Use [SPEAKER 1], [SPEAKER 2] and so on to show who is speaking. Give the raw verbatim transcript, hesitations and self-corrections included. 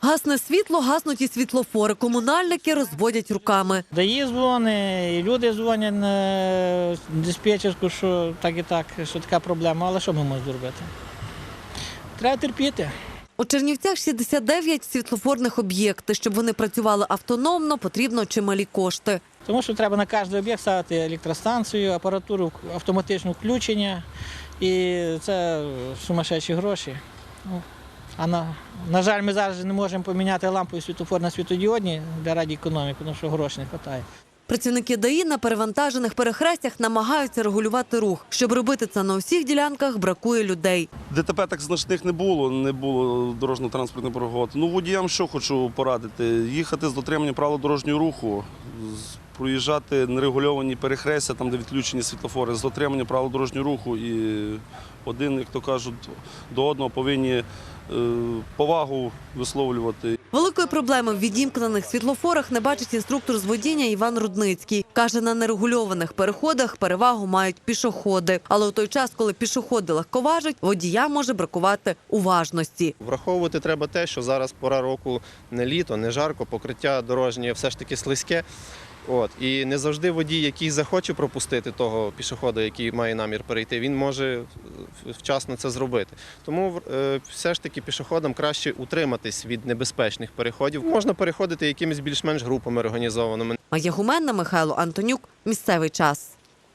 [SPEAKER 1] Гасне світло, гаснуть і світлофори. Комунальники розводять руками.
[SPEAKER 2] Дає дзвони, і люди дзвонять на диспетчерську, що так і так, що така проблема. Але що ми можемо зробити? Треба терпіти.
[SPEAKER 1] У Чернівцях шістдесят дев'ять світлофорних об'єктів. Щоб вони працювали автономно, потрібно чималі кошти.
[SPEAKER 2] Тому що треба на кожен об'єкт ставити електростанцію, апаратуру автоматичного включення. І це сумасшедші гроші. Ну, а на, на жаль, ми зараз не можемо поміняти лампу і світлофор на світодіодні для раді економіки, тому що грошей не вистачає.
[SPEAKER 1] Працівники ДАІ на перевантажених перехрестях намагаються регулювати рух. Щоб робити це на усіх ділянках, бракує людей.
[SPEAKER 3] ДТП так значних не було, не було дорожньо-транспортних пригод. Ну, водіям що хочу порадити? Їхати з дотриманням правил дорожнього руху, проїжджати нерегульовані перехрестя, там, де відключені світлофори, з дотриманням правил дорожнього руху. І один, як то кажуть, до одного повинні повагу висловлювати.
[SPEAKER 1] Великої проблеми в відімкнених світлофорах не бачить інструктор з водіння Іван Рудницький. Каже, на нерегульованих переходах перевагу мають пішоходи. Але у той час, коли пішоходи легковажать, водіям може бракувати уважності.
[SPEAKER 4] Враховувати треба те, що зараз пора року не літо, не жарко, покриття дорожнє все ж таки слизьке. От. І не завжди водій, який захоче пропустити того пішохода, який має намір перейти, він може вчасно це зробити. Тому е, все ж таки пішоходам краще утриматись від небезпечних переходів. Можна переходити якимись більш-менш групами організованими.
[SPEAKER 1] Майя Гуменна, Михайло Антонюк. Місцевий час.